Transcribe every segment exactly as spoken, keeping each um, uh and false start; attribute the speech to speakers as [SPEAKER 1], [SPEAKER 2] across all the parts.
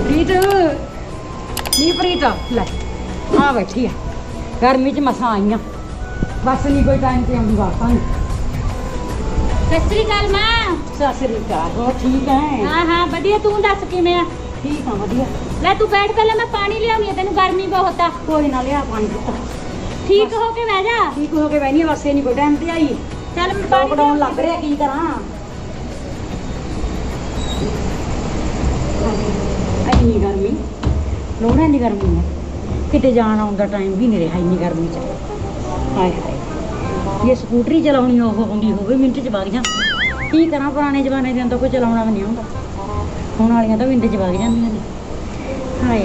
[SPEAKER 1] ਪ੍ਰੀਤ ਨੀ ਪ੍ਰੀਤ ਲੈ ਆ ਬੈਠੀ ਆ ਗਰਮੀ ਚ ਮਸਾਂ ਆਈਆਂ ਬਸ ਨਹੀਂ ਕੋਈ ਟਾਈਮ ਤੇ ਆਉਂਦੀ ਵਾਪਾਂ
[SPEAKER 2] ਸਤਿ ਸ੍ਰੀ ਅਕਾਲ ਮਾਂ।
[SPEAKER 1] ਸਤਿ ਸ੍ਰੀ ਅਕਾਲ। ਹੋਰ ਠੀਕ ਹੈ?
[SPEAKER 2] ਹਾਂ ਹਾਂ ਵਧੀਆ, ਤੂੰ ਦੱਸ ਕਿਵੇਂ ਆ?
[SPEAKER 1] ਠੀਕ ਆ ਵਧੀਆ।
[SPEAKER 2] ਲੈ ਤੂੰ ਬੈਠ, ਪਹਿਲਾਂ ਮੈਂ ਪਾਣੀ ਲਿਆਉਣੀ ਆ, ਤੈਨੂੰ ਗਰਮੀ ਬਹੁਤ ਆ।
[SPEAKER 1] ਕੋਈ ਨਾ ਲਿਆ ਪਾਣੀ ਪੁੱਤ।
[SPEAKER 2] ਠੀਕ ਹੋ ਕੇ ਬਹਿ ਜਾ।
[SPEAKER 1] ਠੀਕ ਹੋ ਕੇ ਬਹਿਨੀ ਬਸ ਨਹੀਂ ਕੋਈ ਟਾਈਮ ਤੇ ਆਈ।
[SPEAKER 2] ਚੱਲ ਮੈਂ ਪਾਣੀ
[SPEAKER 1] ਲੋਕਡਾਊਨ ਲੱਗ ਰਿਹਾ ਕੀ ਕਰਾਂ ਇੰਨੀ ਗਰਮੀ ਲੋੜਾ ਇੰਨੀ ਗਰਮੀ ਹੈ ਕਿਤੇ ਜਾਣ ਆਉਣ ਦਾ ਟਾਈਮ ਵੀ ਨਹੀਂ ਰਿਹਾ ਇੰਨੀ ਗਰਮੀ ਚ। ਹਾਏ ਹਾਏ ਇਹ ਸਕੂਟਰੀ ਚਲਾਉਣੀ ਉਹ ਹੁੰਦੀ ਹੋਵੇ ਮਿੰਟ ਚ ਵਗ ਜਾ। ਕੀ ਕਰਾਂ ਪੁਰਾਣੇ ਜ਼ਮਾਨੇ ਦੇ ਅੰਦਰ ਕੋਈ ਚਲਾਉਣਾ ਵੀ ਨਹੀਂ ਆਉਂਦਾ, ਹੁਣ ਵਾਲੀਆਂ ਤਾਂ ਮਿੰਟ ਚ ਵਗ ਜਾਂਦੀਆਂ ਨੇ। ਹਾਏ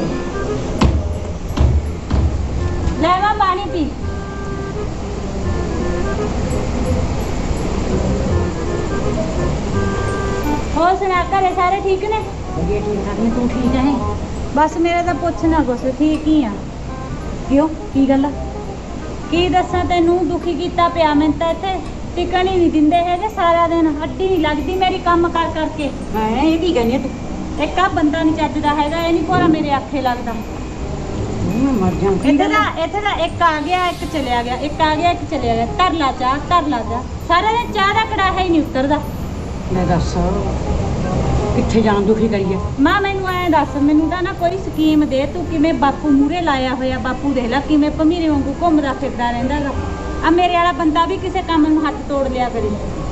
[SPEAKER 2] ਲੈ ਮਾਂ ਪਾਣੀ ਪੀ। ਹੋਰ ਸੁਣਾ, ਘਰੇ ਸਾਰੇ ਠੀਕ ਨੇ?
[SPEAKER 1] ਵਧੀਆ ਠੀਕ ਠਾਕ ਨੇ। ਤੂੰ ਠੀਕ ਹੈ?
[SPEAKER 2] ਬਸ ਮੇਰੇ ਤਾਂ ਪੁੱਛ ਨਾ ਕੁਛ, ਠੀਕ ਹੀ ਆ।
[SPEAKER 1] ਕਿਉਂ ਕੀ ਗੱਲ ਆ?
[SPEAKER 2] ਕੀ ਦੱਸਾਂ ਤੈਨੂੰ, ਦੁਖੀ ਕੀਤਾ ਪਿਆ ਮੈਨੂੰ ਤਾਂ ਇੱਥੇ। ਟਿਕਣ ਹੀ ਨਹੀਂ ਦਿੰਦੇ ਹੈਗੇ, ਸਾਰਾ ਦਿਨ ਹੱਡੀ ਨਹੀਂ ਲੱਗਦੀ ਮੇਰੀ ਕੰਮ ਕਰ ਕਰਕੇ।
[SPEAKER 1] ਮੈਂ ਇਹ ਕੀ ਕਹਿੰਦੀ ਤੂੰ?
[SPEAKER 2] ਇੱਕ ਆ ਬੰਦਾ ਨਹੀਂ ਚੱਜਦਾ ਹੈਗਾ, ਇਹ ਨਹੀਂ ਭੋਰਾ ਮੇਰੇ ਆਖੇ ਲੱਗਦਾ।
[SPEAKER 1] ਮੈਂ ਮਰ ਜਾਂ।
[SPEAKER 2] ਇੱਥੇ ਦਾ ਇੱਥੇ ਦਾ ਇੱਕ ਆ ਗਿਆ ਇੱਕ ਚਲਿਆ ਗਿਆ, ਇੱਕ ਆ ਗਿਆ ਇੱਕ ਚਲਿਆ ਗਿਆ। ਕਰ ਲਾ ਚਾਹ ਕਰ ਲਾ ਚਾਹ, ਸਾਰਾ ਦਿਨ ਚਾਹ ਦਾ ਕੜਾਹਾ ਹੀ ਨਹੀਂ ਉਤਰਦਾ।
[SPEAKER 1] ਮੈਂ ਦੱਸ ਕਿੱਥੇ ਜਾਣ ਦੁਖੀ ਕਰੀਏ?
[SPEAKER 2] ਮਾਂ ਮੈਨੂੰ ਐਂ ਦੱਸ, ਮੈਨੂੰ ਤਾਂ ਨਾ ਕੋਈ ਸਕੀਮ ਦੇ, ਤੂੰ ਕਿਵੇਂ ਬਾਪੂ ਮੂਹਰੇ ਲਾਇਆ ਹੋਇਆ। ਬਾਪੂ ਦੇਖ ਲੈ ਕਿਵੇਂ ਭਮੀਰੇ ਵਾਂਗੂ ਘੁੰਮਦਾ ਫਿਰਦਾ ਰਹਿੰਦਾ ਗਾ। ਆ ਮੇਰੇ ਵਾਲਾ ਬੰਦਾ ਵੀ ਕਿਸੇ ਕੰਮ ਨੂੰ ਹੱਥ ਤੋੜ ਲਿਆ ਕਰੇ।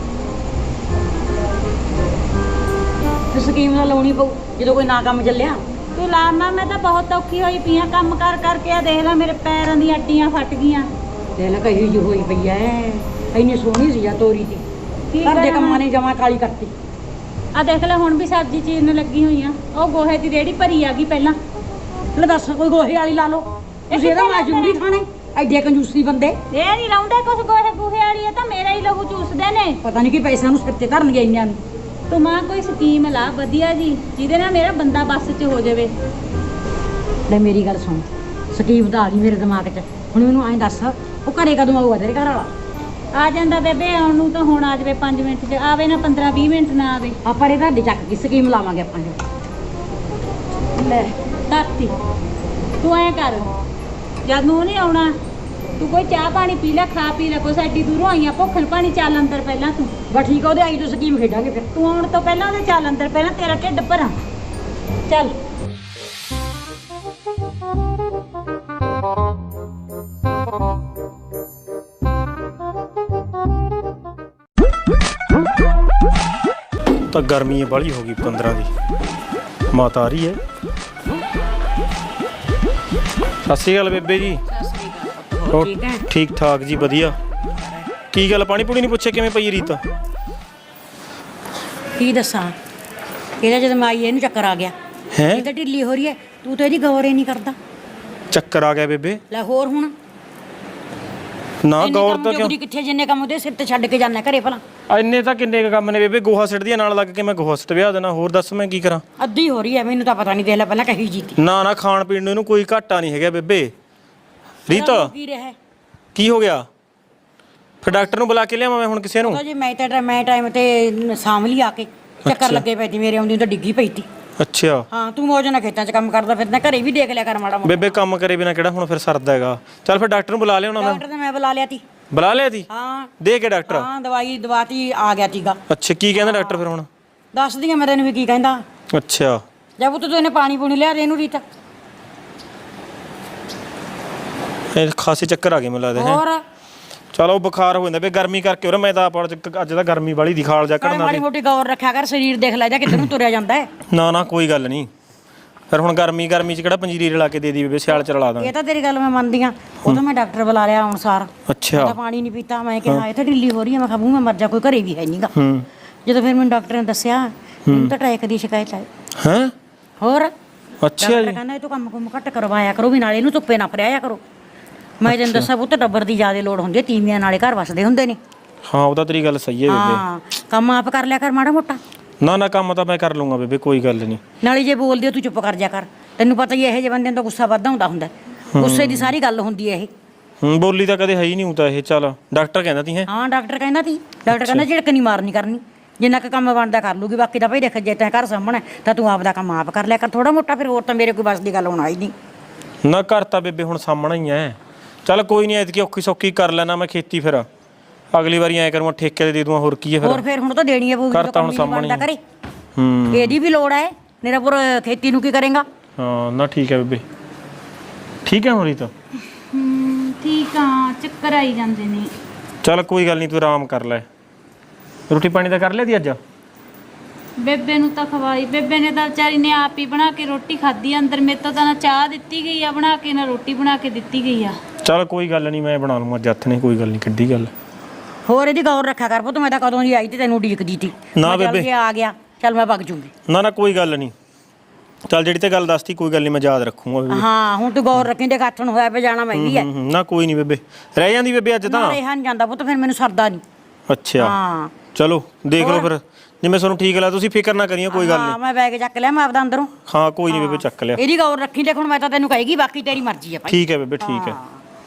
[SPEAKER 1] ਤੇ ਸਕੀਮ ਨਾਲ ਲਾਉਣੀ ਪਊ ਜਦੋਂ ਕੋਈ ਨਾ ਕੰਮ ਚੱਲਿਆ।
[SPEAKER 2] ਤੂੰ ਲਾ ਮਾਂ, ਮੈਂ ਤਾਂ ਬਹੁਤ ਔਖੀ ਹੋਈ ਪਈ ਆ ਕੰਮ ਕਰ ਕਰਕੇ। ਆ ਦੇਖ ਲੈ ਮੇਰੇ ਪੈਰਾਂ ਦੀਆਂ ਅੱਡੀਆਂ ਫਟ ਗਈਆਂ।
[SPEAKER 1] ਤੇ ਨਾ ਕਹੀ ਜੀ ਹੋਈ ਪਈ ਐ, ਇੰਨੀ ਸੋਹਣੀ ਸੀ ਜਾਂ ਤੋਰੀ ਦੀ
[SPEAKER 2] ਕੀ
[SPEAKER 1] ਘਰ ਦੇ
[SPEAKER 2] ਕਰਾਂ
[SPEAKER 1] ਕੰਮਾਂ ਨੇ ਜਮਾ ਕਾਲੀ ਕਰਤੀ।
[SPEAKER 2] ਆ ਦੇਖ ਲੈ ਹੁਣ ਵੀ ਸਬਜ਼ੀ ਚੀਰਨ ਲੱਗੀ ਹੋਈ ਆ। ਉਹ ਗੋਹੇ ਦੀ ਰੇੜੀ ਭਰੀ ਆ ਗਈ ਪਹਿਲਾਂ।
[SPEAKER 1] ਲੈ ਦੱਸ ਕੋਈ ਗੋਹੇ ਵਾਲੀ ਲਾ ਲਓ ਤੁਸੀਂ, ਇਹਦਾ ਮਾਜੂਰੀ ਖਾਣੇ ਐਡੇ ਕੰਜੂਸੀ ਬੰਦੇ।
[SPEAKER 2] ਇਹ ਨਹੀਂ ਲਾਉਂਦੇ ਕੁਛ ਗੋਹੇ ਗੋਹੇ ਵਾਲੀ ਆ ਤਾਂ ਮੇਰਾ ਹੀ ਲਹੂ ਚੂਸਦੇ ਨੇ।
[SPEAKER 1] ਪਤਾ ਨਹੀਂ ਕੀ ਪੈਸਿਆਂ ਨੂੰ ਸਿਰ ਤੇ ਧਰਨਗੇ ਇੰਨਿਆਂ ਨੂੰ।
[SPEAKER 2] ਤੂੰ ਮਾਂ ਕੋਈ ਸਕੀਮ ਲਾ ਵਧੀਆ ਜੀ, ਜਿਹਦੇ ਨਾਲ ਮੇਰਾ ਬੰਦਾ ਬੱਸ 'ਚ ਹੋ ਜਾਵੇ।
[SPEAKER 1] ਲੈ ਮੇਰੀ ਗੱਲ ਸੁਣ, ਸਕੀਮ ਤਾਂ ਆ ਗਈ ਮੇਰੇ ਦਿਮਾਗ 'ਚ। ਹੁਣ ਮੈਨੂੰ ਐਂ ਦੱਸ ਉਹ ਘਰੇ ਕਦੋਂ ਆਊਗਾ ਤੇਰੇ ਘਰ ਵਾਲਾ?
[SPEAKER 2] ਆ ਜਾਂਦਾ ਬੇਬੇ, ਆਉਣ ਨੂੰ ਤਾਂ ਹੁਣ ਆ ਜਾਵੇ ਪੰਜ ਮਿੰਟ 'ਚ, ਆਵੇ ਨਾ ਪੰਦਰਾਂ ਵੀਹ ਮਿੰਟ ਨਾ ਆਵੇ।
[SPEAKER 1] ਆਪਾਂ ਇਹ ਤੁਹਾਡੇ ਚੱਕ ਕੇ ਸਕੀਮ ਲਾਵਾਂਗੇ ਆਪਾਂ ਜੋ।
[SPEAKER 2] ਲੈ ਧਰਤੀ, ਤੂੰ ਐਂ ਕਰ, ਜਦ ਨੂੰ ਨਹੀਂ ਆਉਣਾ ਤੂੰ ਕੋਈ ਚਾਹ ਪਾਣੀ ਪੀ ਲੈ, ਖਾ ਪੀ ਲੈ ਕੁਛ। ਐਡੀ ਦੂਰੋਂ ਆਈਆਂ ਭੁੱਖਣ ਪਾਣੀ, ਚੱਲ ਅੰਦਰ ਪਹਿਲਾਂ ਤੂੰ।
[SPEAKER 1] ਬਸ ਠੀਕ ਆ, ਉਹਦੇ ਆਈ ਤੋਂ ਸਕੀਮ ਖੇਡਾਂਗੇ ਫਿਰ।
[SPEAKER 2] ਤੂੰ ਆਉਣ ਤੋਂ ਪਹਿਲਾਂ ਉਹਦੇ ਚੱਲ ਅੰਦਰ, ਪਹਿਲਾਂ ਤੇਰਾ ਢਿੱਡ ਭਰਾਂ। ਚੱਲ
[SPEAKER 3] ਤਾਂ ਗਰਮੀ ਬਾਹਲੀ ਹੋ ਗਈ ਪੰਦਰਾਂ ਦੀ। ਮਾਤਾ ਆ ਰਹੀ ਹੈ। ਸਤਿ ਸ਼੍ਰੀ ਅਕਾਲ ਬੇਬੇ ਜੀ। ਹੋਰ
[SPEAKER 1] ਠੀਕ ਹੈ?
[SPEAKER 3] ਠੀਕ ਠਾਕ ਜੀ ਵਧੀਆ। ਕੀ ਗੱਲ ਪਾਣੀ ਪੂਣੀ ਨਹੀਂ ਪੁੱਛਿਆ ਕਿਵੇਂ ਪਈ ਰੀਤ?
[SPEAKER 1] ਕੀ ਦੱਸਾਂ, ਇਹਦਾ ਜਦੋਂ ਮੈਂ ਆਈ ਇਹਨੂੰ ਚੱਕਰ ਆ ਗਿਆ।
[SPEAKER 3] ਹੈ
[SPEAKER 1] ਇਹ ਤਾਂ ਢਿੱਲੀ ਹੋ ਰਹੀ ਹੈ, ਤੂੰ ਤਾਂ ਇਹਦੀ ਗੌਰ ਹੀ ਨਹੀਂ ਕਰਦਾ।
[SPEAKER 3] ਚੱਕਰ ਆ ਗਿਆ ਬੇਬੇ?
[SPEAKER 1] ਲੈ ਹੋਰ ਹੁਣ
[SPEAKER 3] ਨਾ
[SPEAKER 1] ਇੰਨੇ
[SPEAKER 3] ਗੌਰ
[SPEAKER 1] ਕੰਮ
[SPEAKER 3] ਤਾਂ ਕਿਉਂ?
[SPEAKER 1] ਜੋਗਰੀ ਕਿੱਥੇ ਜਿੰਨੇ ਕੰਮ ਉਹਦੇ ਸਿਰ ਤੇ ਛੱਡ ਕੇ ਜਾਂਦਾ ਘਰੇ ਭਲਾ।
[SPEAKER 3] ਇੰਨੇ ਤਾਂ ਕਿੰਨੇ ਕੁ ਕੰਮ ਨੇ ਬੇਬੇ, ਗੋਹਾ ਸਿੱਟਦੀਆਂ ਨਾਲ ਲੱਗ ਕੇ ਮੈਂ ਗੋਹਾ ਸਿੱਟ ਵਿਆਹ ਦੇਣਾ। ਹੋਰ ਦੱਸ ਮੈਂ ਕੀ ਕਰਾਂ?
[SPEAKER 1] ਅੱਧੀ ਹੋ ਰਹੀ ਹੈ, ਮੈਨੂੰ ਤਾਂ ਪਤਾ ਨਹੀਂ। ਦੇਖ ਲੈ ਪਹਿਲਾਂ ਕਹੀ ਜੀਤੀ
[SPEAKER 3] ਨਾ ਨਾ ਖਾਣ ਪੀਣ ਨੂੰ ਇਹਨੂੰ ਕੋਈ ਘਾਟਾ ਨਹੀਂ ਹੈਗਾ ਬੇਬੇ। ਰੀਤ
[SPEAKER 1] ਕੀ ਰਿਹਾ
[SPEAKER 3] ਕੀ ਹੋ ਗਿਆ? ਫਿਰ ਡਾਕਟਰ ਨੂੰ ਬੁਲਾ ਕੇ ਲਿਆਵਾਂ ਮੈਂ ਹੁਣ ਕਿਸੇ ਨੂੰ?
[SPEAKER 1] ਉਹ ਜੀ ਮੈਂ ਤਾਂ ਮੈਂ ਟਾਈਮ ਤੇ ਸਾਂਭ ਲਈ ਆ ਕੇ। ਚੱਕਰ ਲੱਗੇ ਪਈ ਤੀ ਮੇਰੇ, ਆਉਂਦੀ ਤਾਂ ਡਿੱਗੀ ਪਈ ਤੀ।
[SPEAKER 3] ਅੱਛਾ
[SPEAKER 1] ਹਾਂ ਤੂੰ ਮੌਜ ਨਾਲ ਖੇਤਾਂ 'ਚ ਕੰਮ ਕਰਦਾ ਫਿਰਦਾ, ਘਰੇ ਵੀ ਦੇਖ ਲਿਆ ਕਰ ਮਾੜਾ ਮੋਟਾ।
[SPEAKER 3] ਬੇਬੇ ਕੰਮ ਕਰੇ ਬਿਨਾ ਕਿਹੜਾ ਹੁਣ ਫਿਰ ਸਰਦਾ ਹੈਗਾ। ਚੱਲ ਫਿਰ ਡਾਕਟਰ ਨੂੰ ਬੁਲਾ ਲਿਆਉਣਾ ਮੈਂ।
[SPEAKER 1] ਡਾਕਟਰ ਨੇ ਮੈਂ ਬੁਲਾ ਲਿਆ ਤੀ।
[SPEAKER 3] ਬੁਲਾ ਲਿਆ ਤੀ?
[SPEAKER 1] ਹਾਂ
[SPEAKER 3] ਦੇ ਕੇ ਡਾਕਟਰ?
[SPEAKER 1] ਹਾਂ ਦਵਾਈ ਦਵਾਤੀ, ਆ ਗਿਆ ਤੀਗਾ।
[SPEAKER 3] ਅੱਛਾ ਕੀ ਕਹਿੰਦਾ ਡਾਕਟਰ ਫਿਰ ਹੁਣ?
[SPEAKER 1] ਦੱਸਦੀ ਆ ਮੈਂ ਤੈਨੂੰ ਵੀ ਕੀ ਕਹਿੰਦਾ।
[SPEAKER 3] ਅੱਛਾ
[SPEAKER 1] ਜਦ ਤੂੰ ਇਹਨੇ ਪਾਣੀ ਪੂਣੀ ਲਿਆ ਦੇ ਇਹਨੂੰ ਰੀਤਾ।
[SPEAKER 3] ਇਹ ਖਾਸੇ ਚੱਕਰ ਆ ਗਏ ਮੈਨੂੰ ਲੱਗਦਾ ਹੈ।
[SPEAKER 1] ਹੋਰ
[SPEAKER 3] ਚਲੋ ਬੁਖਾਰ ਹੋ ਜਾਂਦਾ ਬੇ ਗਰਮੀ ਕਰਕੇ। ਹੋਰ ਮੈਂ ਤਾਂ ਆਪ ਅੱਜ ਤਾਂ ਗਰਮੀ ਵਾਲੀ ਦੀ ਖਾਲ ਜਾ
[SPEAKER 1] ਨਾਲੇ
[SPEAKER 3] ਕੱਢਣਾ
[SPEAKER 1] ਮਾੜੀ ਮੋਟੀ ਗੌਰ ਰੱਖਿਆ ਕਰ, ਸਰੀਰ ਦੇਖ ਲੈ ਜਾ ਕਿੱਧਰ ਨੂੰ ਤੁਰਿਆ ਜਾਂਦਾ ਹੈ।
[SPEAKER 3] ਨਾ ਨਾ ਕੋਈ ਗੱਲ ਨਹੀਂ। ਫਿਰ ਹੁਣ ਗਰਮੀ ਗਰਮੀ ਚ ਕਿਹੜਾ ਪੰਜੀਰੀ ਰਲਾ ਕੇ ਦੇ ਦੀ ਬੇਬੇ, ਸਿਆਲ ਚ ਰਲਾ ਦਾਂਗੇ।
[SPEAKER 1] ਇਹ ਤਾਂ ਤੇਰੀ ਗੱਲ ਮੈਂ ਮੰਨਦੀ ਆ। ਉਹ ਤਾਂ ਮੈਂ ਡਾਕਟਰ ਬੁਲਾ ਲਿਆ ਹੁਣ ਸਾਰ।
[SPEAKER 3] ਅੱਛਾ
[SPEAKER 1] ਤਾਂ ਪਾਣੀ ਨਹੀਂ ਪੀਤਾ। ਮੈਂ ਕਿਹਾ ਇਹ ਤਾਂ ਢਿੱਲੀ ਹੋ ਰਹੀ ਹੈ। ਮੈਂ ਕਿਹਾ ਬੂ ਮੈਂ ਮਰ ਜਾ, ਕੋਈ ਘਰੇ ਵੀ ਹੈ ਨਹੀਂਗਾ।
[SPEAKER 3] ਹੂੰ
[SPEAKER 1] ਜਦੋਂ ਫਿਰ ਮੈਨੂੰ ਡਾਕਟਰ ਨੇ ਦੱਸਿਆ ਮੈਨੂੰ ਤਾਂ ਟਰੈਕ ਦੀ ਸ਼ਿਕਾਇਤ ਹੈ।
[SPEAKER 3] ਹੈ
[SPEAKER 1] ਹੋਰ
[SPEAKER 3] ਅੱਛਾ
[SPEAKER 1] ਡਾਕਟਰ
[SPEAKER 3] ਜੀ।
[SPEAKER 1] ਕਹਿੰਦਾ ਇਹ ਤੋਂ ਕੰਮ ਕੁਮ ਘੱਟ ਕਰਵਾਇਆ ਕਰੋ, ਵੀ ਨਾਲੇ ਇਹਨੂੰ ਧੁੱਪੇ ਨਾ ਫਰਿਆਇਆ ਕਰੋ। ਮੈਂ ਤੈਨੂੰ ਦੱਸਾਂ ਪੁੱਤ ਟੱਬਰ ਦੀ ਜ਼ਿਆਦਾ ਲੋੜ ਹੁੰਦੀ ਹੈ, ਤੀਵੀਆਂ ਨਾਲੇ ਘਰ ਵਸਦੇ ਹੁੰਦੇ ਨੇ।
[SPEAKER 3] ਹਾਂ ਉਹ ਤਾਂ ਤੇਰੀ ਗੱਲ ਸਹੀ ਹੈ ਬੇਬੇ।
[SPEAKER 1] ਹਾਂ ਕੰਮ ਆਪ ਕਰ ਲਿਆ ਕਰ ਮਾੜਾ ਮੋਟਾ।
[SPEAKER 3] ਨਾ ਨਾ ਕੰਮ ਤਾਂ ਮੈਂ ਕਰ ਲੂੰਗਾ ਬੇਬੇ, ਕੋਈ ਗੱਲ ਨਹੀਂ।
[SPEAKER 1] ਨਾਲੇ ਜੇ ਬੋਲਦੇ ਹੋ ਤੂੰ ਚੁੱਪ ਕਰ ਜਾ ਕਰ। ਤੈਨੂੰ ਪਤਾ ਹੀ ਇਹੋ ਜਿਹੇ ਬੰਦਿਆਂ ਦਾ ਗੁੱਸਾ ਵੱਧਦਾ ਹੁੰਦਾ ਹੁੰਦਾ। ਗੁੱਸੇ ਦੀ ਸਾਰੀ ਗੱਲ ਹੁੰਦੀ ਹੈ ਇਹ।
[SPEAKER 3] ਹੂੰ ਬੋਲੀ ਤਾਂ ਕਦੇ ਹੈ ਹੀ ਨਹੀਂ ਹੁੰਦਾ ਇਹ। ਚੱਲ ਡਾਕਟਰ ਕਹਿੰਦਾ ਤੀ ਹੈ?
[SPEAKER 1] ਹਾਂ ਡਾਕਟਰ ਕਹਿੰਦਾ ਤੀ। ਡਾਕਟਰ ਕਹਿੰਦਾ ਝਿੜਕ ਨਹੀਂ ਮਾਰਨੀ ਕਰਨੀ, ਜਿੰਨਾ ਕੁ ਕੰਮ ਬਣਦਾ ਕਰ ਲੂਗੀ, ਬਾਕੀ ਤਾਂ ਭਾਈ ਦੇਖ ਜੇ ਤੈਂ ਘਰ ਸਾਹਮਣੇ ਤਾਂ ਤੂੰ ਆਪਦਾ ਕੰਮ ਆਪ ਕਰ ਲਿਆ ਕਰ ਥੋੜਾ ਮੋਟਾ, ਫਿਰ ਹੋਰ ਤਾਂ ਮੇਰੇ ਕੋਈ ਬਸ ਦੀ ਗੱਲ ਹੋਣਾ ਹੀ ਨਹੀਂ।
[SPEAKER 3] ਨਾ ਘਰ ਤਾਂ ਬੇਬੇ ਹੁਣ ਸਾਹਮਣਾ ਹੀ ਐ। ਚੱਲ ਕੋਈ ਨਹੀਂ, ਐਤਕੀ ਔਖੀ ਸੌਖੀ ਕਰ ਲੈਣਾ ਮੈਂ ਖੇਤੀ, ਫਿਰ ਅਗਲੀ ਵਾਰੀ ਐ ਕਰੂੰਗਾ ਠੇਕੇ ਤੇ ਦੇ ਦੂੰਗਾ, ਹੋਰ ਕੀ ਹੈ ਫਿਰ।
[SPEAKER 1] ਹੋਰ ਫਿਰ ਹੁਣ ਤਾਂ ਦੇਣੀ ਹੈ ਪਊਗੀ,
[SPEAKER 3] ਘਰ ਤਾਂ ਹੁਣ ਸਾਹਮਣੇ
[SPEAKER 1] ਕਰੇ
[SPEAKER 3] ਹੂੰ
[SPEAKER 1] ਇਹਦੀ ਵੀ ਲੋੜ ਹੈ, ਨਿਰਾਪੁਰ ਖੇਤੀ ਨੂੰ ਕੀ ਕਰੇਗਾ।
[SPEAKER 3] ਹਾਂ ਨਾ ਠੀਕ ਹੈ ਬੇਬੇ, ਠੀਕ ਹੈ ਹੋਰੀ ਤਾਂ
[SPEAKER 2] ਹੂੰ ਠੀਕ ਆ, ਚੱਕਰ ਆਈ ਜਾਂਦੇ ਨੇ।
[SPEAKER 3] ਚੱਲ ਕੋਈ ਗੱਲ ਨਹੀਂ, ਤੂੰ ਆਰਾਮ ਕਰ ਲੈ। ਰੋਟੀ ਪਾਣੀ ਤਾਂ ਕਰ ਲਿਆ ਦੀ ਅੱਜ?
[SPEAKER 2] ਬੇਬੇ ਨੂੰ ਤਾਂ ਖਵਾਈ, ਬੇਬੇ ਨੇ ਤਾਂ ਵਿਚਾਰੀ ਨੇ ਆਪ ਹੀ ਬਣਾ ਕੇ ਰੋਟੀ ਖਾਧੀ। ਅੰਦਰ ਮੇਰੇ ਤੋਂ ਤਾਂ ਨਾ ਚਾਹ ਦਿੱਤੀ ਗਈ ਆ ਬਣਾ ਕੇ, ਨਾ ਰੋਟੀ ਬਣਾ ਕੇ ਦਿੱਤੀ ਗਈ ਆ।
[SPEAKER 3] ਚੱਲ ਕੋਈ ਗੱਲ ਨਹੀਂ, ਮੈਂ ਬਣਾ ਲੂੰਗਾ ਜੱਥ ਨੇ, ਕੋਈ ਗੱਲ ਨਹੀਂ, ਕਿੱਡੀ ਗੱਲ।
[SPEAKER 1] ਹੋਰ ਇਹਦੀ ਗੌਰ ਰੱਖਿਆ ਕਰ ਪੁੱਤ, ਮੈਂ ਤਾਂ ਕਦੋਂ ਦੀ ਆਈ ਤੇ ਤੈਨੂੰ ਉਡੀਕਦੀ ਤੀ।
[SPEAKER 3] ਨਾ
[SPEAKER 1] ਮੈਂ ਚੱਲ
[SPEAKER 3] ਬੇਬੇ।
[SPEAKER 1] ਜੇ ਆ ਗਿਆ ਚੱਲ ਮੈਂ ਵਗ ਜੂੰਗੀ।
[SPEAKER 3] ਨਾ ਨਾ ਕੋਈ ਗੱਲ ਨਹੀਂ, ਚੱਲ ਜਿਹੜੀ ਤੇ ਗੱਲ ਦੱਸਤੀ ਕੋਈ ਗੱਲ ਨਹੀਂ, ਮੈਂ ਯਾਦ ਰੱਖੂੰਗਾ।
[SPEAKER 1] ਹਾਂ ਹੁਣ ਤੂੰ ਗੌਰ ਰੱਖੀ, ਤੇ ਗੱਠ ਨੂੰ ਹੋਇਆ ਪੇ ਜਾਣਾ ਮੈਂ ਵੀ ਹੈ।
[SPEAKER 3] ਹੂੰ, ਹੂੰ, ਨਾ ਕੋਈ ਨਹੀਂ ਬੇਬੇ, ਰਹਿ ਜਾਂਦੀ ਬੇਬੇ ਅੱਜ ਤਾਂ।
[SPEAKER 1] ਰਿਹਾ ਨਹੀਂ ਜਾਂਦਾ ਪੁੱਤ, ਫਿਰ ਮੈਨੂੰ ਸਰਦਾ ਨਹੀਂ।
[SPEAKER 3] ਅੱਛਾ
[SPEAKER 1] ਹਾਂ
[SPEAKER 3] ਚਲੋ ਦੇਖ ਲਓ ਫਿਰ ਜਿਵੇਂ ਤੁਹਾਨੂੰ ਠੀਕ ਲੱਗਾ, ਤੁਸੀਂ ਫਿਕਰ ਨਾ ਕਰੀਓ, ਕੋਈ ਗੱਲ
[SPEAKER 1] ਹਾਂ
[SPEAKER 3] ਨਹੀਂ।
[SPEAKER 1] ਮੈਂ ਬੈਗ ਚੱਕ ਲਿਆ ਮੈਂ ਆਪਦਾ ਅੰਦਰੋਂ।
[SPEAKER 3] ਹਾਂ ਕੋਈ ਨਹੀਂ ਬੇਬੇ, ਚੱਕ ਲਿਆ।
[SPEAKER 1] ਇਹਦੀ ਗੌਰ ਰੱਖੀ, ਦੇਖ ਹੁਣ ਮੈਂ ਤਾਂ ਤੈਨੂੰ ਕਹੇਗੀ, ਬਾਕੀ ਤੇਰੀ ਮਰਜ਼ੀ ਹੈ ਭਾਈ।
[SPEAKER 3] ਠੀਕ ਹੈ ਬੇਬੇ, ਠੀਕ ਹੈ।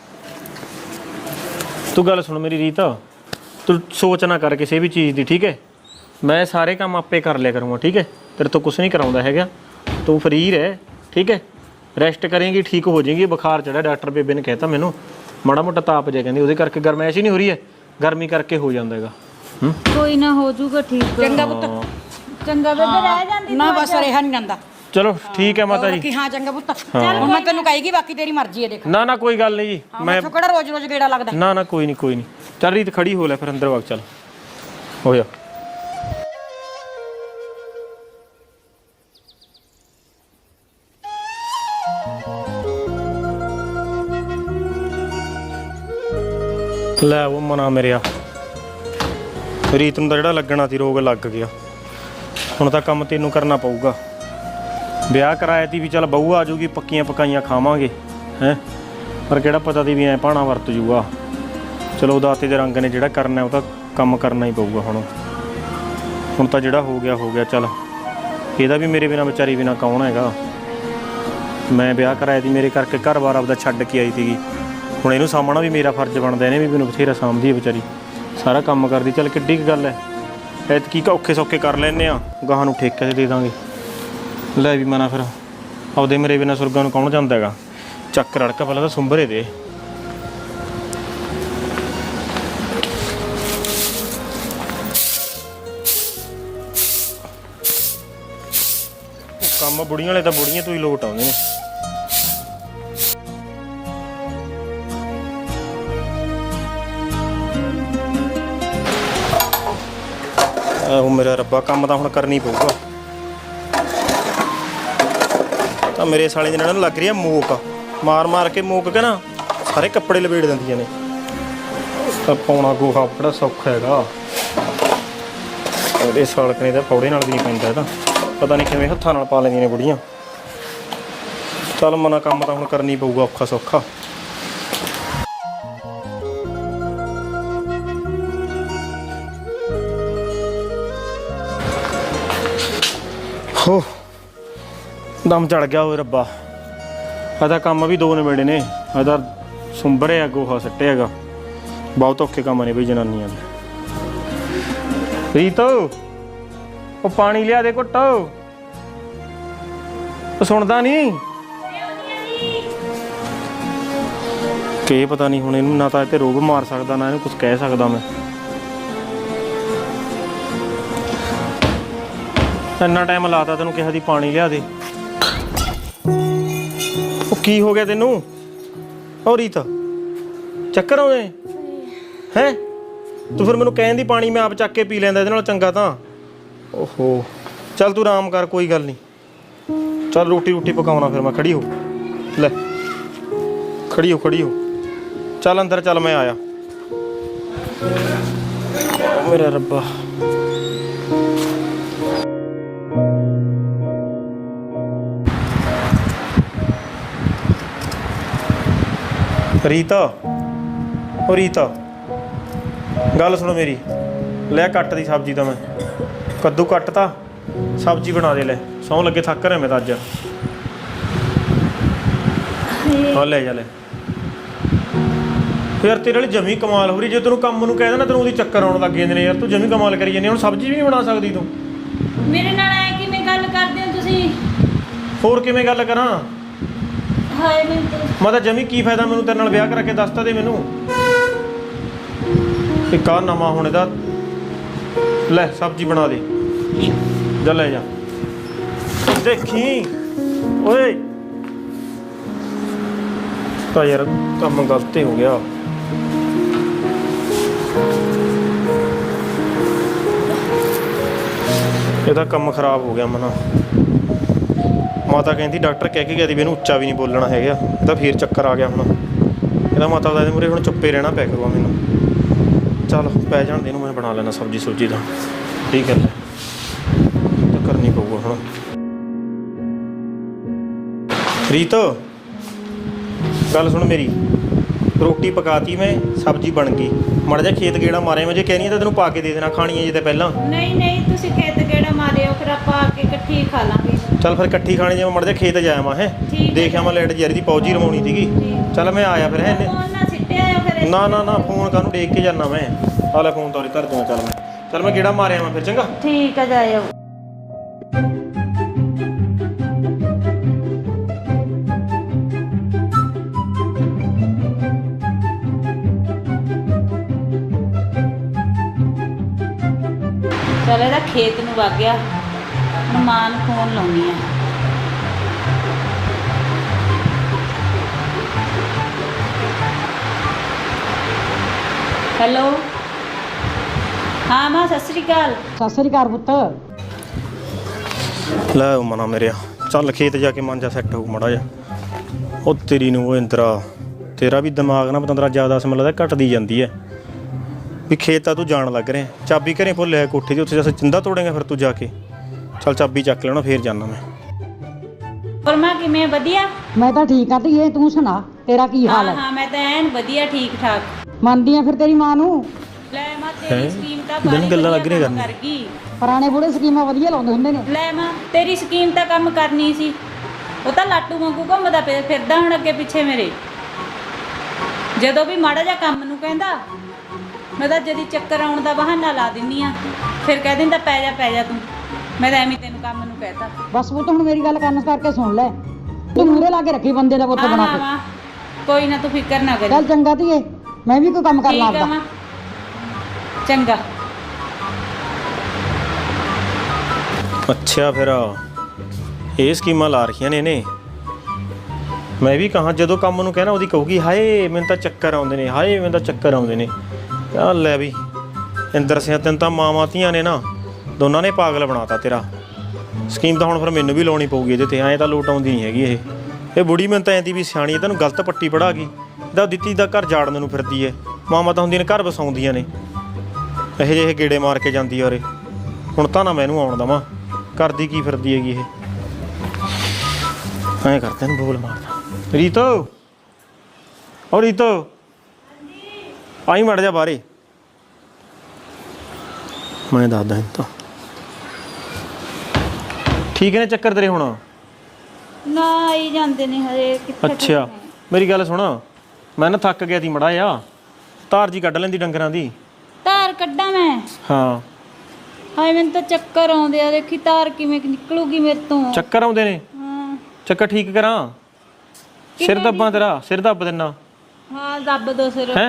[SPEAKER 3] ਤੂੰ ਗੱਲ ਸੁਣ ਮੇਰੀ ਰੀਤ, ਤੂੰ ਸੋਚ ਨਾ ਕਰ ਕਿਸੇ ਵੀ ਚੀਜ਼ ਦੀ, ਠੀਕ ਹੈ। ਮੈਂ ਸਾਰੇ ਕੰਮ ਆਪੇ ਕਰ ਲਿਆ ਕਰੂੰਗਾ, ਠੀਕ ਹੈ। ਤੇਰੇ ਤੋਂ ਕੁਝ ਨਹੀਂ ਕਰਾਉਂਦਾ ਹੈਗਾ, ਤੂੰ ਫਰੀ ਰਹਿ, ਠੀਕ ਹੈ। ਰੈਸਟ ਕਰੇਂਗੀ ਠੀਕ ਹੋ ਜਾਏਗੀ। ਬੁਖਾਰ ਚੜਾ, ਡਾਕਟਰ ਬੇਬੇ ਨੇ ਕਹਿਤਾ ਮੈਨੂੰ, ਮਾੜਾ ਮੋਟਾ ਤਾਪ ਜਿਹਾ ਕਹਿੰਦੀ, ਉਹਦੇ ਕਰਕੇ ਗਰਮੈਸ਼ ਹੀ ਨਹੀਂ ਹੋ ਰਹੀ ਹੈ, ਗਰਮੀ ਕਰਕੇ ਹੋ ਜਾਂਦਾ ਹੈਗਾ। ਹੂੰ
[SPEAKER 2] ਕੋਈ ਨਾ ਹੋ ਜਾਊਗਾ ਠੀਕ।
[SPEAKER 1] ਚੰਗਾ ਪੁੱਤ,
[SPEAKER 2] ਚੰਗਾ ਬੇਬੇ ਰਹਿ ਜਾਂਦੀ
[SPEAKER 1] ਨਾ ਬਸ ਰਿਹਾ ਨਹੀਂ ਜਾਂਦਾ।
[SPEAKER 3] ਚਲੋ ਠੀਕ ਹੈ ਮਾਤਾ ਜੀ।
[SPEAKER 1] ਕਿ ਹਾਂ ਚੰਗਾ ਪੁੱਤ, ਹੁਣ ਮੈਂ ਤੈਨੂੰ ਕਹੇਗੀ, ਬਾਕੀ ਤੇਰੀ ਮਰਜ਼ੀ ਹੈ। ਦੇਖ
[SPEAKER 3] ਨਾ ਨਾ ਕੋਈ ਗੱਲ ਨਹੀਂ ਜੀ,
[SPEAKER 1] ਮੈਂ ਕਿਹੜਾ ਰੋਜ਼ ਰੋਜ਼ ਗੇੜਾ ਲੱਗਦਾ।
[SPEAKER 3] ਨਾ ਨਾ ਕੋਈ ਨਹੀਂ ਕੋਈ ਨਹੀਂ, ਚੱਲ ਰੀਤ ਖੜੀ ਹੋ ਲੈ, ਫਿਰ ਅੰਦਰ ਵਗ ਚੱਲ, ਹੋ ਜਾ। ਲੈ ਉਹ ਮਨਾ ਮੇਰਿਆ, ਰੀਤ ਨੂੰ ਤਾਂ ਜਿਹੜਾ ਲੱਗਣਾ ਸੀ ਰੋਗ ਲੱਗ ਗਿਆ। ਹੁਣ ਤਾਂ ਕੰਮ ਤੈਨੂੰ ਕਰਨਾ ਪਊਗਾ। ਵਿਆਹ ਕਰਾਇਆ ਤੀ ਵੀ ਚੱਲ ਬਹੂ ਆ ਜਾਊਗੀ, ਪੱਕੀਆਂ ਪਕਾਈਆਂ ਖਾਵਾਂਗੇ ਹੈ, ਪਰ ਕਿਹੜਾ ਪਤਾ ਤੀ ਵੀ ਐ ਭਾਣਾ ਵਰਤ ਜੂਗਾ। ਚਲੋ ਦਾਤੇ ਦੇ ਰੰਗ ਨੇ ਜਿਹੜਾ ਕਰਨਾ ਉਹ ਤਾਂ ਕੰਮ ਕਰਨਾ ਹੀ ਪਊਗਾ। ਹੁਣ ਹੁਣ ਤਾਂ ਜਿਹੜਾ ਹੋ ਗਿਆ ਹੋ ਗਿਆ, ਚੱਲ ਇਹਦਾ ਵੀ ਮੇਰੇ ਬਿਨਾਂ ਵਿਚਾਰੀ ਬਿਨਾਂ ਕੌਣ ਹੈਗਾ। ਮੈਂ ਵਿਆਹ ਕਰਾਇਆ ਤੀ, ਮੇਰੇ ਕਰਕੇ ਘਰ-ਬਾਰ ਆਪਦਾ ਛੱਡ ਕੇ ਆਈ ਸੀਗੀ। ਹੁਣ ਇਹਨੂੰ ਸਾਂਭਣਾ ਵੀ ਮੇਰਾ ਫਰਜ਼ ਬਣਦਾ, ਇਹਨੇ ਵੀ ਮੈਨੂੰ ਬਥੇਰਾ ਸਾਂਭਦੀ ਹੈ ਵਿਚਾਰੀ, ਸਾਰਾ ਕੰਮ ਕਰਦੀ। ਚੱਲ ਕਿੱਡੀ ਕੁ ਗੱਲ ਹੈ, ਐਤਕੀ ਔਖੇ ਸੌਖੇ ਕਰ ਲੈਂਦੇ ਆ, ਗਾਹਾਂ ਨੂੰ ਠੇਕੇ 'ਤੇ ਦੇ ਦਾਂਗੇ। ਲੈ ਵੀ ਮਨਾ, ਫਿਰ ਆਪਦੇ ਮੇਰੇ ਬਿਨਾਂ ਸੁਰਗਾਂ ਨੂੰ ਕੌਣ ਜਾਂਦਾ ਹੈਗਾ। ਚੱਕ ਰੜਕਾ ਪਹਿਲਾਂ ਤਾਂ ਸੁੰਬਰੇ ਦੇ। ਕੰਮ ਬੁੜੀਆਂ ਵਾਲੇ ਤਾਂ ਬੁੜੀਆਂ ਤੋਂ ਹੀ ਲੋਟ ਆਉਂਦੇ ਨੇ। ਉਹ ਮੇਰਾ ਰੱਬਾ, ਕੰਮ ਤਾਂ ਹੁਣ ਕਰਨੀ ਪਊਗਾ। ਤਾਂ ਮੇਰੇ ਸਾਲੇ ਦੇ ਨਾਲ ਲੱਗ ਰਹੀ ਆ ਮੋਕ, ਮਾਰ ਮਾਰ ਕੇ ਮੋਕ ਕੇ ਨਾ ਸਾਰੇ ਕੱਪੜੇ ਲਪੇੜ ਦਿੰਦੀਆਂ ਨੇ। ਤਾਂ ਪਾਉਣਾ ਗੋਹਾ ਬੜਾ ਸੌਖਾ ਹੈਗਾ, ਉਹਦੇ ਸਾਲਕਣੇ ਦਾ ਫੌੜੇ ਨਾਲ ਵੀ ਨਹੀਂ ਪੈਂਦਾ ਇਹਦਾ, ਪਤਾ ਨਹੀਂ ਕਿਵੇਂ ਹੱਥਾਂ ਨਾਲ ਪਾ ਲੈਂਦੀਆਂ ਨੇ ਬੁੜੀਆਂ। ਚੱਲ ਮਨਾ, ਕੰਮ ਤਾਂ ਹੁਣ ਕਰਨੀ ਪਊਗਾ ਔਖਾ ਸੌਖਾ। ਹੋ ਦਮ ਚੜ ਗਿਆ ਓਏ ਰੱਬਾ, ਇਹਦਾ ਕੰਮ ਵੀ ਦੋ ਨਵੇੜੇ ਨੇ। ਇਹਦਾ ਸੁੰਬਰਿਆ ਗੋਹਾ ਸੱਟਿਆ ਹੈਗਾ, ਬਹੁਤ ਔਖੇ ਕੰਮ ਨੇ ਬਈ ਜਨਾਨੀਆਂ ਦੇ। ਰੀਤ ਉਹ ਪਾਣੀ ਲਿਆ ਦੇ ਘੁੱਟ, ਉਹ ਸੁਣਦਾ ਨਹੀਂ ਕਿ ਪਤਾ ਨਹੀਂ ਹੁਣ ਇਹਨੂੰ ਨਾ ਤਾਂ ਇਹ ਤੇ ਰੋਬ ਮਾਰ ਸਕਦਾ, ਨਾ ਇਹਨੂੰ ਕੁਝ ਕਹਿ ਸਕਦਾ ਮੈਂ। ਇੰਨਾ ਟਾਈਮ ਲਾਤਾ ਤੈਨੂੰ ਕਿਹਾ ਦੀ ਪਾਣੀ ਲਿਆ ਦੇ। ਉਹ ਕੀ ਹੋ ਗਿਆ ਤੈਨੂੰ? ਉਹ ਰੀਤ ਚੱਕਰ ਆਉਂਦੇ ਹੈ? ਤੂੰ ਫਿਰ ਮੈਨੂੰ ਕਹਿਣ ਦੀ ਪਾਣੀ ਮੈਂ ਆਪ ਚੱਕ ਕੇ ਪੀ ਲੈਂਦਾ, ਇਹਦੇ ਨਾਲ ਚੰਗਾ ਤਾਂ। ਓਹੋ ਚੱਲ ਤੂੰ ਆਰਾਮ ਕਰ, ਕੋਈ ਗੱਲ ਨਹੀਂ। ਚੱਲ ਰੋਟੀ ਰੋਟੀ ਪਕਾਉਣਾ ਫਿਰ ਮੈਂ। ਖੜੀ ਹੋ, ਲੈ ਖੜੀ ਹੋ ਖੜੀ ਹੋ, ਚੱਲ ਅੰਦਰ ਚੱਲ, ਮੈਂ ਆਇਆ। ਮੇਰਾ ਰੱਬਾ, ਰੀਤਾ ਉਹ ਰੀਤਾ ਗੱਲ ਸੁਣੋ ਮੇਰੀ। ਲੈ ਕੱਟ ਦੀ ਸਬਜ਼ੀ ਤਾਂ ਮੈਂ ਕੱਦੂ ਕੱਟ ਤਾ, ਸਬਜ਼ੀ ਬਣਾ ਦੇ। ਲੈ ਸੌਂ ਲੱਗੇ, ਥੱਕ ਰਿਹਾ ਮੈਂ ਤਾਂ ਅੱਜ। ਹਾਂ ਲੈ ਜਾ ਲੈ, ਯਾਰ ਤੇਰੇ ਵਾਲੀ ਜਮੀ ਕਮਾਲ ਹੋ ਰਹੀ। ਜੇ ਤੈਨੂੰ ਕੰਮ ਨੂੰ ਕਹਿ ਦੇਣਾ ਤੈਨੂੰ ਉਹਦੀ ਚੱਕਰ ਆਉਣ ਲੱਗ ਜਾਂਦੇ ਨੇ ਯਾਰ। ਤੂੰ ਜਮੀ ਕਮਾਲ ਕਰੀ ਜਾਂਦੀ। ਹੁਣ ਸਬਜ਼ੀ ਵੀ ਨਹੀਂ ਬਣਾ ਸਕਦੀ ਤੂੰ।
[SPEAKER 2] ਮੇਰੇ ਨਾਲ ਐ ਕਿਵੇਂ ਗੱਲ ਕਰਦੇ ਹੋ ਤੁਸੀਂ?
[SPEAKER 3] ਹੋਰ ਕਿਵੇਂ ਗੱਲ ਕਰਾਂ?
[SPEAKER 2] ਹਾਏ ਮੈਨੂੰ ਤਾਂ
[SPEAKER 3] ਮੈਂ ਤਾਂ ਜਮੀ ਕੀ ਫਾਇਦਾ ਮੈਨੂੰ ਤੇਰੇ ਨਾਲ ਵਿਆਹ ਕਰਾ ਕੇ ਦੱਸਤਾ ਦੇ ਮੈਨੂੰ। ਇੱਕ ਆ ਨਵਾਂ ਹੁਣ ਇਹਦਾ ਲੈ ਸਬਜ਼ੀ ਬਣਾ ਦੇ ਜਾ ਲੈ ਜਾ। ਦੇਖੀ ਓਏ ਤਾਂ ਯਾਰ ਕੰਮ ਗਲਤ ਹੋ ਗਿਆ। ਇਹਦਾ ਕੰਮ ਖਰਾਬ ਹੋ ਗਿਆ ਮਨਾ। ਮਾਤਾ ਕਹਿੰਦੀ ਡਾਕਟਰ ਕਹਿ ਕੇ ਗਿਆ ਸੀ ਵੀ ਇਹਨੂੰ ਉੱਚਾ ਵੀ ਨਹੀਂ ਬੋਲਣਾ ਹੈਗਾ। ਇਹਦਾ ਫੇਰ ਚੱਕਰ ਆ ਗਿਆ ਹੁਣ। ਇਹਦਾ ਮਾਤਾ ਦਾ ਇਹਦੇ ਮੂਹਰੇ ਹੁਣ ਚੁੱਪੇ ਰਹਿਣਾ ਪੈ ਕਰੂਗਾ ਮੈਨੂੰ। ਚੱਲ ਪੈ ਜਾਣ ਦੇ ਇਹਨੂੰ, ਮੈਂ ਬਣਾ ਲੈਣਾ ਸਬਜ਼ੀ ਸੁਬਜ਼ੀ ਦਾ। ਠੀਕ ਹੈ ਤਾਂ ਕਰਨੀ ਪਊਗਾ ਹੁਣ। ਰੀਤ ਗੱਲ ਸੁਣ ਮੇਰੀ। ਰੋਟੀ ਪਕਾਤੀ ਮੈਂ, ਸਬਜ਼ੀ ਬਣ ਗਈ। ਮਾੜਾ ਜਿਹਾ ਖੇਤ ਗੇੜਾ ਮਾਰਿਆ ਮੈਂ। ਜੇ ਕਹਿਣੀ ਤਾਂ ਤੈਨੂੰ ਪਾ ਕੇ ਦੇ ਦੇਣਾ ਖਾਣੀ ਹੈ ਜੇ ਤਾਂ ਪਹਿਲਾਂ।
[SPEAKER 2] ਨਹੀਂ ਨਹੀਂ ਤੁਸੀਂ ਖੇਤ ਗੇੜਾ ਮਾਰਿਓ, ਫਿਰ ਆਪਾਂ ਆ ਕੇ ਇਕੱਠੀ ਖਾ ਲਾਂਗੇ।
[SPEAKER 3] ਚੱਲ ਫਿਰ ਇਕੱਠੀ ਖਾਣੀ। ਜੇ ਮੈਂ ਮਾੜਾ ਜਿਹਾ ਖੇਤ ਜਾਇਆ ਮੈਂ ਹੈ ਦੇਖਿਆ ਮੈਂ ਲਾਈਟ ਜਰੀ ਦੀ ਪੌਜੀ ਰਮਾਉਣੀ ਸੀਗੀ। ਚੱਲ ਮੈਂ ਆਇਆ ਫਿਰ ਹੈ।
[SPEAKER 2] ਫੋਨ ਨਾ ਸਿੱਟਿਆ ਆਇਓ ਫਿਰ।
[SPEAKER 3] ਨਾ ਨਾ ਨਾ ਫੋਨ ਕਾਹਨੂੰ ਦੇਖ ਕੇ ਜਾਣਾ ਮੈਂ। ਆ ਲੈ ਫੋਨ ਤੋਰੀ ਧਰ ਦੂੰਗਾ। ਚੱਲ ਮੈਂ ਚੱਲ ਮੈਂ ਗੇੜਾ ਮਾਰਿਆ ਮੈਂ ਫਿਰ। ਚੰਗਾ
[SPEAKER 2] ਠੀਕ ਆ ਜਾਇਓ। ਚੱਲ ਇਹਦਾ ਖੇਤ ਨੂੰ ਵਗ ਗਿਆ। ਹੁਣ ਮਾਂ ਨੂੰ ਫੋਨ ਲਾਉਣੀ ਆ। ਹੈਲੋ ਹਾਂ ਮਾਂ, ਸਤਿ ਸ੍ਰੀ ਅਕਾਲ।
[SPEAKER 1] ਸਤਿ ਸ੍ਰੀ ਅਕਾਲ ਪੁੱਤ।
[SPEAKER 3] ਲੈ ਮਨਾ ਮੇਰਿਆ ਚੱਲ ਖੇਤ ਜਾ ਕੇ ਮਨ ਜਾ ਸੈੱਟ ਹੋਊ ਮਾੜਾ ਜਿਹਾ। ਉਹ ਤੇਰੀ ਨੂੰ ਉਹ ਇੰਦਰਾ ਤੇਰਾ ਵੀ ਦਿਮਾਗ ਨਾ ਪਤੰਦਰਾ ਜ਼ਿਆਦਾ ਸਮਝ ਲੱਗਦਾ ਘਟਦੀ ਜਾਂਦੀ ਹੈ ਵੀ ਖੇਤ ਤਾਂ ਤੂੰ ਜਾਣ ਲੱਗ ਰਿਹਾ। ਚਾਬੀ ਘਰੇ ਭੁੱਲਿਆ ਕੋਠੇ ਦੀ, ਉੱਥੇ ਜਾ ਚਿੰਦਾ ਤੋੜੇਗਾ ਫਿਰ ਤੂੰ ਜਾ ਕੇ। ਚੱਲ ਚਾਬੀ ਚੱਕ ਲੈਣਾ ਫੇਰ ਜਾਣਾ ਮੈਂ।
[SPEAKER 2] ਪਰ ਮਾਂ ਕਿਵੇਂ? ਵਧੀਆ।
[SPEAKER 1] ਮੈਂ ਤਾਂ ਠੀਕ ਆ ਧੀਏ, ਤੂੰ ਸੁਣਾ ਤੇਰਾ ਕੀ ਹਾਲ
[SPEAKER 2] ਹਾਂ
[SPEAKER 1] ਹੈ?
[SPEAKER 2] ਹਾਂ ਮੈਂ ਤਾਂ ਐਨ ਵਧੀਆ ਠੀਕ ਠਾਕ।
[SPEAKER 1] ਮੰਨਦੀ ਆ ਫਿਰ ਤੇਰੀ ਮਾਂ ਨੂੰ।
[SPEAKER 2] ਲੈ ਮਾਂ ਤੇਰੀ
[SPEAKER 3] ਹੈਂ?
[SPEAKER 2] ਸਕੀਮ ਤਾਂ
[SPEAKER 3] ਦਿਨ
[SPEAKER 2] ਬਾਹਲੀ
[SPEAKER 3] ਗੱਲਾਂ ਲੱਗ
[SPEAKER 2] ਵਧੀਆ
[SPEAKER 3] ਰਹੀਆਂ
[SPEAKER 2] ਕੰਮ
[SPEAKER 3] ਕਰਨ।
[SPEAKER 2] ਕਰ ਗਈ।
[SPEAKER 1] ਪੁਰਾਣੇ ਬੁੜੇ ਸਕੀਮਾਂ ਵਧੀਆ ਲਾਉਂਦੇ ਹੁੰਦੇ ਨੇ।
[SPEAKER 2] ਲੈ ਮਾਂ ਤੇਰੀ ਸਕੀਮ ਤਾਂ ਕੰਮ ਕਰਨੀ ਸੀ। ਉਹ ਤਾਂ ਲਾਟੂ ਵਾਂਗੂ ਘੁੰਮਦਾ ਫਿ- ਫਿਰਦਾ ਹੁਣ ਅੱਗੇ ਪਿੱਛੇ ਮੇਰੇ। ਜਦੋਂ ਵੀ ਮਾੜਾ ਜਿਹਾ ਕੰਮ ਨੂੰ ਕਹਿੰਦਾ ਮੈਂ ਤਾਂ ਜਦੀ ਚੱਕਰ ਆਉਣ ਦਾ ਬਹਾਨਾ ਲਾ ਦਿੰਨੀ ਆ। ਫਿਰ ਕਹਿ ਦਿੰਦਾ ਪੈ ਜਾ ਪੈ ਜਾ ਤੂੰ। ਮੈਂ ਤਾਂ ਐਵੇਂ ਤੈਨੂੰ ਕੰਮ ਨੂੰ ਕਹਿਤਾ।
[SPEAKER 1] ਬਸ ਪੁੱਤ ਹੁਣ ਮੇਰੀ ਗੱਲ ਕੰਨ ਕਰਕੇ ਸੁਣ ਲੈ। ਤੂੰ ਮੂਹਰੇ ਲਾ ਕੇ ਰੱਖੀ ਬੰਦੇ ਦਾ ਪੁੱਤ
[SPEAKER 2] ਹਾਂ
[SPEAKER 1] ਬਣਾ
[SPEAKER 2] ਹਾਂ
[SPEAKER 1] ਕੇ।
[SPEAKER 2] ਮਾਂ ਕੋਈ ਨਾ, ਤੂੰ ਫਿਕਰ ਨਾ ਕਰੀ।
[SPEAKER 1] ਚੱਲ ਚੰਗਾ ਧੀਏ, ਮੈਂ ਵੀ ਕੋਈ ਕੰਮ ਕਰ
[SPEAKER 2] ਠੀਕ ਆ
[SPEAKER 1] ਲਾਂਗਾ।
[SPEAKER 2] ਮਾਂ ਚੰਗਾ।
[SPEAKER 3] ਅੱਛਾ ਫਿਰ ਇਹ ਸਕੀਮਾਂ ਲਾ ਰੱਖੀਆਂ ਨੇ ਇਹਨੇ। ਮੈਂ ਵੀ ਕਹਾਂ ਜਦੋਂ ਕੰਮ ਨੂੰ ਕਹਿਣਾ ਉਹਦੀ ਕਹੂਗੀ ਹਾਏ ਮੈਨੂੰ ਤਾਂ ਚੱਕਰ ਆਉਂਦੇ ਨੇ, ਹਾਏ ਮੈਨੂੰ ਤਾਂ ਚੱਕਰ ਆਉਂਦੇ ਨੇ। ਆ ਲੈ ਵੀ ਇੰਦਰ ਸਿੰਘ ਤੈਨੂੰ ਤਾਂ ਮਾਵਾਂ ਧੀਆਂ ਨੇ ਨਾ ਦੋਨਾਂ ਨੇ ਪਾਗਲ ਬਣਾਤਾ ਤੇਰਾ। ਸਕੀਮ ਤਾਂ ਹੁਣ ਫਿਰ ਮੈਨੂੰ ਵੀ ਲਾਉਣੀ ਪਊਗੀ ਇਹਦੇ ਤੇ। ਐਂ ਤਾਂ ਲੋਟ ਆਉਂਦੀ ਨਹੀਂ ਹੈਗੀ ਇਹ। ਇਹ ਬੁੜੀ ਮੈਨੂੰ ਤਾਂ ਐਂ ਦੀ ਵੀ ਸਿਆਣੀ ਹੈ, ਤੈਨੂੰ ਗਲਤ ਪੱਟੀ ਪੜਾ ਗਈ। ਇਹਦਾ ਦਿੱਤੀ ਦਾ ਘਰ ਜਾੜਨ ਨੂੰ ਫਿਰਦੀ ਹੈ। ਮਾਵਾਂ ਤਾਂ ਹੁੰਦੀਆਂ ਨੇ ਘਰ ਵਸਾਉਂਦੀਆਂ ਨੇ। ਇਹੋ ਜਿਹੇ ਗੇੜੇ ਮਾਰ ਕੇ ਜਾਂਦੀ ਆ ਉਰੇ। ਹੁਣ ਤਾਂ ਨਾ ਮੈਨੂੰ ਆਉਣ ਦੇਵਾਂ। ਕਰਦੀ ਕੀ ਫਿਰਦੀ ਹੈਗੀ ਇਹ। ਐਂ ਕਰਦੇ ਨੂੰ ਬੋਲ ਮਾਰਦਾ। ਰੀਤੋ ਓ ਰੀਤੋ ਆਈ ਮੜ ਜਾ ਬਾਹਰੇ। ਮੈਂ ਦੱਸਦਾ ਤਾਂ ਠੀਕ ਨੇ ਚੱਕਰ ਤੇਰੇ ਹੁਣ?
[SPEAKER 2] ਨਾ ਆਈ ਜਾਂਦੇ ਨੇ ਹਜੇ ਕਿੱਥੇ।
[SPEAKER 3] ਅੱਛਾ ਮੇਰੀ ਗੱਲ ਸੁਣ, ਮੈਂ ਨਾ ਥੱਕ ਗਿਆ ਸੀ ਮੜਾ ਆ। ਧਾਰ ਜੀ ਕੱਢ ਲੈਂਦੀ ਡੰਗਰਾਂ ਦੀ।
[SPEAKER 2] ਧਾਰ ਕੱਢਾਂ ਮੈਂ?
[SPEAKER 3] ਹਾਂ
[SPEAKER 2] ਹਾਏ ਮੈਨੂੰ ਤਾਂ ਚੱਕਰ ਆਉਂਦੇ ਆ। ਦੇਖੀ ਧਾਰ ਕਿਵੇਂ ਨਿਕਲੂਗੀ ਮੇਰੇ ਤੋਂ।
[SPEAKER 3] ਚੱਕਰ ਆਉਂਦੇ ਨੇ?
[SPEAKER 2] ਹਾਂ
[SPEAKER 3] ਚੱਕਰ ਠੀਕ ਕਰਾਂ? ਸਿਰ ਦੱਬਾਂ ਤੇਰਾ? ਸਿਰ ਦੱਬ ਦਿੰਨਾ।
[SPEAKER 2] ਹਾਂ ਦੱਬ ਦੋ ਸਿਰ।
[SPEAKER 3] ਹੈ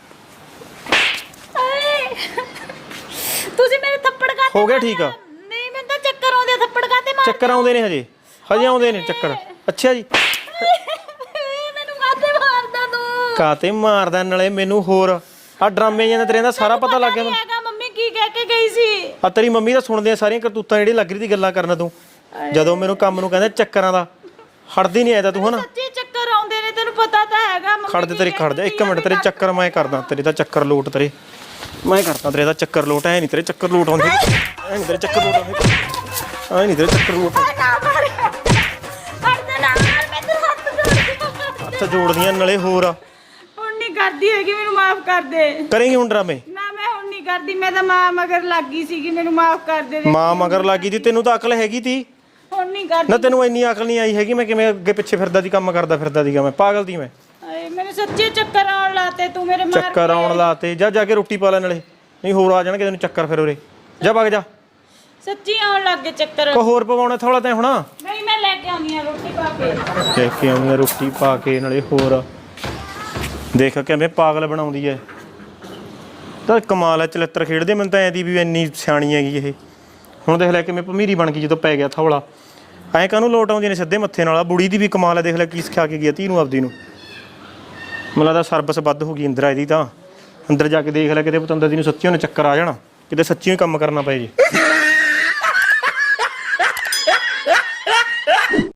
[SPEAKER 2] ਤੁਸੀਂ ਮੇਰੇ ਥੱਪੜ ਕਾਤੇ
[SPEAKER 3] ਹੋ ਗਿਆ ਠੀਕ ਆ?
[SPEAKER 2] ਨਹੀਂ ਮੈਨੂੰ ਤਾਂ ਚੱਕਰ ਆਉਂਦੇ ਆ। ਥੱਪੜ ਕਾਤੇ ਮਾਰ?
[SPEAKER 3] ਚੱਕਰ ਆਉਂਦੇ ਨੇ ਹਜੇ ਹਜੇ ਆਉਂਦੇ ਨੇ ਚੱਕਰ। ਅੱਛਾ ਜੀ
[SPEAKER 2] ਮੈਨੂੰ ਕਾਤੇ ਮਾਰਦਾ ਤੂੰ?
[SPEAKER 3] ਕਾਤੇ ਮਾਰਦਾ ਨਾਲੇ ਮੈਨੂੰ ਹੋਰ ਆ ਡਰਾਮੇ ਜਿਹੇ ਤੇਰੇ ਦਾ ਸਾਰਾ ਪਤਾ ਲੱਗ ਗਿਆ ਮੈਨੂੰ।
[SPEAKER 2] ਹੈਗਾ ਮੰਮੀ ਕੀ ਕਹਿ ਕੇ ਗਈ ਸੀ?
[SPEAKER 3] ਆ ਤੇਰੀ ਮੰਮੀ ਤਾਂ ਸੁਣਦੇ ਆ ਸਾਰੀਆਂ ਕਰਤੂਤਾਂ ਜਿਹੜੀ ਲੱਗ ਰਹੀ ਦੀ ਗੱਲਾਂ ਕਰਨ ਤੂੰ। ਜਦੋਂ ਮੈਨੂੰ ਕੰਮ ਨੂੰ ਕਹਿੰਦਾ ਚੱਕਰਾਂ ਦਾ ਹਟਦੀ ਨਹੀਂ ਆਇਆ ਤੂੰ ਹਨਾ।
[SPEAKER 2] ਸੱਚੀ ਚੱਕਰ ਆਉਂਦੇ ਨੇ, ਤੈਨੂੰ ਪਤਾ ਤਾਂ ਹੈਗਾ। ਮੰਮੀ
[SPEAKER 3] ਖੜ ਦੇ ਤੇਰੀ ਖੜ ਜਾ ਇੱਕ ਮਿੰਟ। ਤੇਰੇ ਚੱਕਰ ਮੈਂ ਕਰਦਾ। ਤੇਰੇ ਤਾਂ ਚੱਕਰ ਲੋਟ ਤੇਰੇ ਮੈਂ ਕਰਦਾ। ਤੇਰੇ ਦਾ ਚੱਕਰ ਲੋਟ ਐ ਨਹੀਂ। ਤੇਰੇ ਚੱਕਰ ਲੋਟ ਆਉਂਦੇ ਐ ਨਹੀਂ। ਤੇਰੇ ਚੱਕਰ ਲੋਟ ਆਉਂਦੇ ਐ ਨਹੀਂ। ਤੇਰੇ ਚੱਕਰ ਲੋਟ ਹੱਥ ਜੋੜਦੀਆਂ ਨਾਲੇ ਹੋਰ ਆ।
[SPEAKER 2] ਹੁਣ ਨਹੀਂ ਕਰਦੀ ਹੈਗੀ, ਮੈਨੂੰ ਮਾਫ ਕਰ ਦੇ।
[SPEAKER 3] ਕਰੇਂਗੀ ਹੁਣ ਡਰਾਮੇ?
[SPEAKER 2] ਨਾ ਮੈਂ ਹੁਣ ਨਹੀਂ ਕਰਦੀ। ਮੈਂ ਤਾਂ ਮਾਂ ਮਗਰ ਲੱਗ ਗਈ ਸੀਗੀ, ਮੈਨੂੰ ਮਾਫ ਕਰ ਦੇ।
[SPEAKER 3] ਮਾਂ ਮਗਰ ਲੱਗੀ ਤੀ? ਤੈਨੂੰ ਤਾਂ ਅਕਲ ਹੈਗੀ ਤੀ
[SPEAKER 2] ਹੁਣ ਨਹੀਂ ਕਰਦੀ।
[SPEAKER 3] ਨਾ। ਤੈਨੂੰ ਇੰਨੀ ਅਕਲ ਨਹੀਂ ਆਈ ਹੈਗੀ। ਮੈਂ ਕਿਵੇਂ ਅੱਗੇ ਪਿੱਛੇ ਫਿਰਦਾ ਦੀ ਕੰਮ ਕਰਦਾ ਫਿਰਦਾ ਸੀਗਾ। ਮੈਂ ਪਾਗਲ ਦੀ ਮੈਂ।
[SPEAKER 2] ਹਾਏ ਮੈਨੂੰ ਸੱਚੀ ਚੱਕਰ ਆਉਣ ਲਾਤੇ ਤੂੰ ਮੇਰੇ ਮਾਰ
[SPEAKER 3] ਚੱਕਰ ਆਉਣ ਲਾਤੇ। ਜਾ ਜਾ ਕੇ ਰੋਟੀ ਪਾ ਲੈ ਨਾਲੇ, ਨਹੀਂ ਹੋਰ ਆ ਜਾਣਗੇ ਤੈਨੂੰ ਚੱਕਰ ਫਿਰ ਉਰੇ। ਜਾ ਵਗ ਜਾ।
[SPEAKER 2] ਸੱਚੀ ਆਉਣ ਲੱਗ ਗਏ ਚੱਕਰ।
[SPEAKER 3] ਕੋ ਹੋਰ ਪਵਾਉਣਾ ਥੋੜਾ ਤੈਂ ਹੁਣ?
[SPEAKER 2] ਨਹੀਂ ਮੈਂ ਲੈ ਕੇ ਆਉਣੀ ਆ ਰੋਟੀ ਪਾ ਕੇ।
[SPEAKER 3] ਲੈ ਕੇ ਆਉਣੀ ਆ ਰੋਟੀ ਪਾ ਕੇ ਨਾਲੇ ਹੋਰ। ਦੇਖ ਕਿਵੇਂ ਪਾਗਲ ਬਣਾਉਂਦੀ ਐ। ਤਾਂ ਕਮਾਲ ਐ ਚਲਿੱਤਰ ਖੇਡਦੇ। ਮੈਨੂੰ ਤਾਂ ਐਂ ਦੀ ਵੀ ਇੰਨੀ ਸਿਆਣੀ ਹੈਗੀ ਇਹ। ਹੁਣ ਦੇਖ ਲੈ ਕਿਵੇਂ ਭਮੀਰੀ ਬਣ ਗਈ ਜਦੋਂ ਪੈ ਗਿਆ ਥੌਲਾ। ਐਂ ਕਾਹਨੂੰ ਲੋਟ ਆਉਂਦੀਆਂ ਨੇ ਸਿੱਧੇ ਮੱਥੇ ਨਾਲ। ਬੁੜੀ ਦੀ ਵੀ ਕਮਾਲ ਐ, ਦੇਖ ਲੈ ਕੀ ਸਿਖਾ ਕੇ ਗਿਆ ਧੀ ਨੂੰ ਆਪਦੀ ਨੂੰ। ਮੈਨੂੰ ਲੱਗਦਾ ਸਰਵਿਸ ਵੱਧ ਹੋ ਗਈ ਇੰਦਰਾ ਇਹਦੀ ਤਾਂ। ਅੰਦਰ ਜਾ ਕੇ ਦੇਖ ਲੈ ਕਿਤੇ ਪਤੰਦਰ ਦੀ ਨੂੰ ਸੱਚੀ ਉਹਨੇ ਚੱਕਰ ਆ ਜਾਣਾ, ਕਿਤੇ ਸੱਚੀ ਹੀ ਕੰਮ ਕਰਨਾ ਪਏ ਜੀ।